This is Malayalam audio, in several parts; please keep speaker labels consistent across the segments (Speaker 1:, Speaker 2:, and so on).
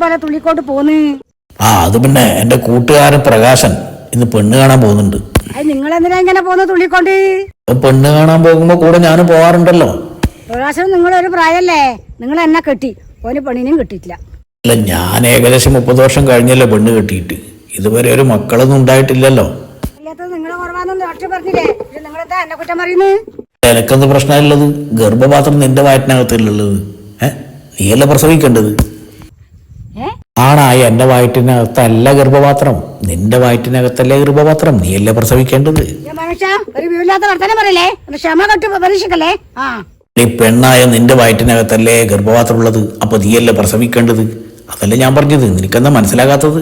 Speaker 1: പോലെ തുള്ളിക്കോട്ട് പോന്ന്.
Speaker 2: അത് പിന്നെ എന്റെ കൂട്ടുകാരൻ പ്രകാശൻ ഇന്ന് പെണ്ണ് കാണാൻ പോകുന്നുണ്ട്.
Speaker 1: അത് നിങ്ങൾ എന്തിനാ ഇങ്ങനെ പോന്ന് തുള്ളിക്കൊണ്ട്?
Speaker 2: പെണ്ണ് കാണാൻ പോകുമ്പോ കൂടെ ഞാനും പോവാറുണ്ടല്ലോ.
Speaker 1: പ്രകാശൻ നിങ്ങളൊരു പ്രായല്ലേ, നിങ്ങൾ എന്നെ കെട്ടി, ഓന് പെണ്ണിനും കിട്ടിയിട്ടില്ല.
Speaker 2: അല്ല, ഞാൻ ഏകദേശം 30 വർഷം കഴിഞ്ഞല്ലോ പെണ്ണ് കെട്ടിയിട്ട്. ഇതുവരെ ഒരു മക്കളൊന്നും ഉണ്ടായിട്ടില്ലല്ലോ.
Speaker 1: നിങ്ങളെ കുറവാന്നൊന്നും ഡോക്ടർ പറഞ്ഞില്ലേ, നിങ്ങളെന്താ എന്നെ കുറ്റം പറയുന്നത്?
Speaker 2: എനക്കെന്ത് പ്രശ്നമുള്ളത്? ഗർഭപാത്രം നിന്റെ വയറ്റിനകത്തല്ലുള്ളത്. നീയല്ല പ്രസവിക്കേണ്ടത്. ആണായി എന്റെ വയറ്റിനകത്തല്ല ഗർഭപാത്രം, നിന്റെ വയറ്റിനകത്തല്ലേ ഗർഭപാത്രം, നീയല്ലേ പ്രസവിക്കേണ്ടത്. നീ പെണ്ണായ നിന്റെ വയറ്റിനകത്തല്ലേ ഗർഭപാത്രം ഉള്ളത്, അപ്പൊ നീയല്ലേ പ്രസവിക്കേണ്ടത്. അതല്ലേ ഞാൻ പറഞ്ഞത്, നിനക്കെന്താ മനസ്സിലാകാത്തത്?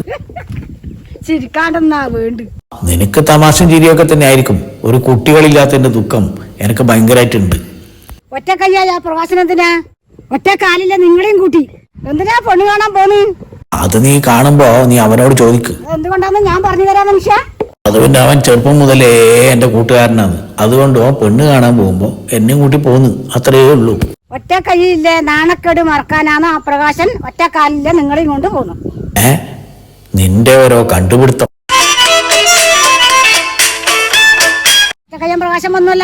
Speaker 2: നിനക്ക് തമാശയും ചിരിയൊക്കെ തന്നെ ആയിരിക്കും. ഒരു കുട്ടികളില്ലാത്തതിന്റെ ദുഃഖം എനിക്ക് ഭയങ്കരമായിട്ടുണ്ട്.
Speaker 1: ഒറ്റ കയ്യായ പ്രവാസനത്തിനാ, ഒറ്റ കാലില്ല നിങ്ങളെയും കൂട്ടി എന്തിനാ പെണ്ണ് കാണാൻ പോന്ന്?
Speaker 2: അത് നീ കാണുമ്പോ നീ അവനോട് ചോദിക്ക്.
Speaker 1: എന്തുകൊണ്ടാന്ന് ഞാൻ പറഞ്ഞു തരാം മനുഷ്യ.
Speaker 2: അത് പിന്നെ അവൻ ചെറുപ്പം മുതലേ എന്റെ കൂട്ടുകാരനാണ്. അതുകൊണ്ട് അവൻ പെണ്ണ് കാണാൻ പോകുമ്പോ എന്നെയും കൂട്ടി പോന്ന്, അത്രയേ ഉള്ളൂ.
Speaker 1: ഒറ്റ കൈയില്ലേ നാണക്കേട് മറക്കാനാണ് ആ പ്രകാശൻ ഒറ്റ കാലില്ല നിങ്ങളെയും കൊണ്ട് പോന്നു.
Speaker 2: നിന്റെ ഓരോ കണ്ടുപിടുത്തം.
Speaker 1: ഒറ്റ കയ്യൻ പ്രകാശം വന്നല്ല.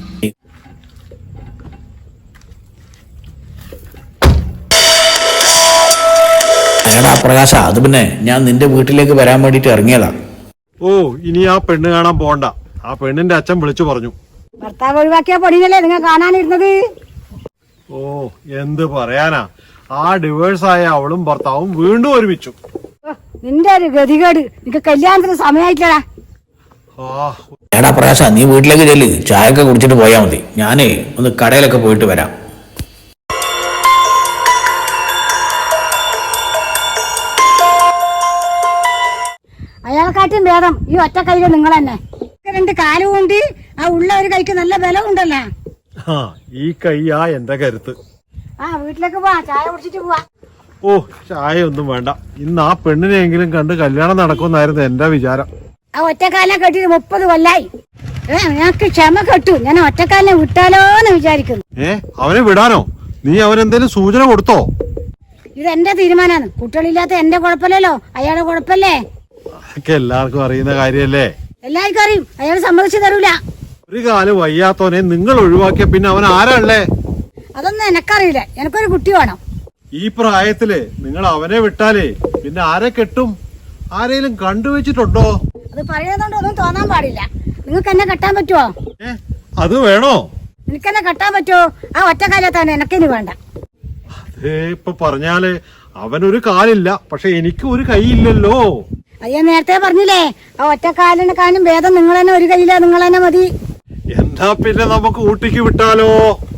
Speaker 2: എടാ പ്രകാശ, അത് പിന്നെ ഞാൻ നിന്റെ വീട്ടിലേക്ക് വരാൻ വേണ്ടിട്ട് ഇറങ്ങിയതാ.
Speaker 3: ഇനി ആ പെണ്ണ് കാണാൻ പോണ്ട. ആ പെണ്ണിന്റെ അച്ഛൻ വിളിച്ചു പറഞ്ഞു.
Speaker 1: ഭർത്താവ് ഒഴിവാക്കിയ പൊടിയല്ലേ നിങ്ങൾ കാണാനിരുന്നത്?
Speaker 3: എന്ത് പറയാനാ, ആ ഡിവേഴ്സായ അവളും ഭർത്താവും വീണ്ടും ഒരുമിച്ചു.
Speaker 1: നിന്റെ ഒരു ഗതികേട്, നിനക്ക് കല്യാണത്തിന് സമയമായിട്ടടാ.
Speaker 2: എടാ പ്രകാശ, നീ വീട്ടിലേക്ക് ചെല്ല്, ചായയൊക്കെ കുടിച്ചിട്ട് പോയാ മതി. ഞാനേ ഒന്ന് കടയിലൊക്കെ പോയിട്ട് വരാം.
Speaker 1: അയാളെക്കാട്ടും ഭേദം ഈ ഒറ്റ കൈയില് നിങ്ങൾ തന്നെ. 2 കാലും കൊണ്ട് ആ ഉള്ള ഒരു കൈക്ക് നല്ല ബലം ഉണ്ടല്ലോ.
Speaker 3: ഈ കൈയാ എന്റെ കരുത്ത്.
Speaker 1: വീട്ടിലേക്ക് പോവാ, ചായ കുടിച്ചിട്ട് പോവാ.
Speaker 3: ചായ ഒന്നും വേണ്ട. ഇന്ന് ആ പെണ്ണിനെങ്കിലും കണ്ട് കല്യാണം നടക്കുമെന്നായിരുന്നു എന്റെ വിചാരം.
Speaker 1: ആ ഒറ്റക്കാലിനെ കെട്ടിട്ട് 30 കൊല്ലായി. ഞങ്ങൾക്ക് ക്ഷമ കെട്ടു. ഞാൻ ഒറ്റക്കാലിനെ വിട്ടാലോന്ന് വിചാരിക്കുന്നു.
Speaker 3: അവനെ വിടാനോ? നീ അവനെന്തേലും സൂചന കൊടുത്തോ?
Speaker 1: ഇത് എന്റെ തീരുമാനമാണ്. കുട്ടികളില്ലാത്ത എന്റെ കുഴപ്പമില്ലല്ലോ, അയാളുടെ കുഴപ്പല്ലേ.
Speaker 3: എല്ലാവർക്കും അറിയുന്ന കാര്യല്ലേ.
Speaker 1: എല്ലാവർക്കും അറിയും. അയാൾ സമ്മതിച്ചു തരൂല.
Speaker 3: ഒരു കാലം വയ്യാത്തോനെ നിങ്ങൾ ഒഴിവാക്കിയ പിന്നെ അവൻ ആരാളേ?
Speaker 1: അതൊന്നും എനക്കറിയില്ല. എനിക്കൊരു കുട്ടി വേണം.
Speaker 3: ഈ പ്രായത്തില് നിങ്ങൾ അവനെ വിട്ടാലേ പിന്നെ ആരെ കെട്ടും? ആരെയും കണ്ടുവച്ചിട്ടുണ്ടോ?
Speaker 1: അത് പറയുന്നതുകൊണ്ട് ഒന്നും തോന്നാൻ പാടില്ല. നിങ്ങൾക്ക് എന്നെ കെട്ടാൻ പറ്റുമോ?
Speaker 3: അത് വേണോ?
Speaker 1: എനിക്കെന്നെ കെട്ടാൻ പറ്റുമോ? ആ ഒറ്റ കാലത്താണ് എനക്കിനി വേണ്ട.
Speaker 3: അതേ ഇപ്പൊ പറഞ്ഞാല് അവനൊരു കാലില്ല, പക്ഷെ എനിക്ക് ഒരു കൈയില്ലല്ലോ.
Speaker 1: അയ്യോ, നേരത്തെ പറഞ്ഞില്ലേ, ആ ഒറ്റ കാലിനെ കാണും ഭേദം നിങ്ങൾ തന്നെ ഒരു കൈയില്ല, നിങ്ങൾ തന്നെ മതി.
Speaker 3: എന്നാ പിന്നെ നമുക്ക് ഊട്ടിക്ക് വിട്ടാലോ?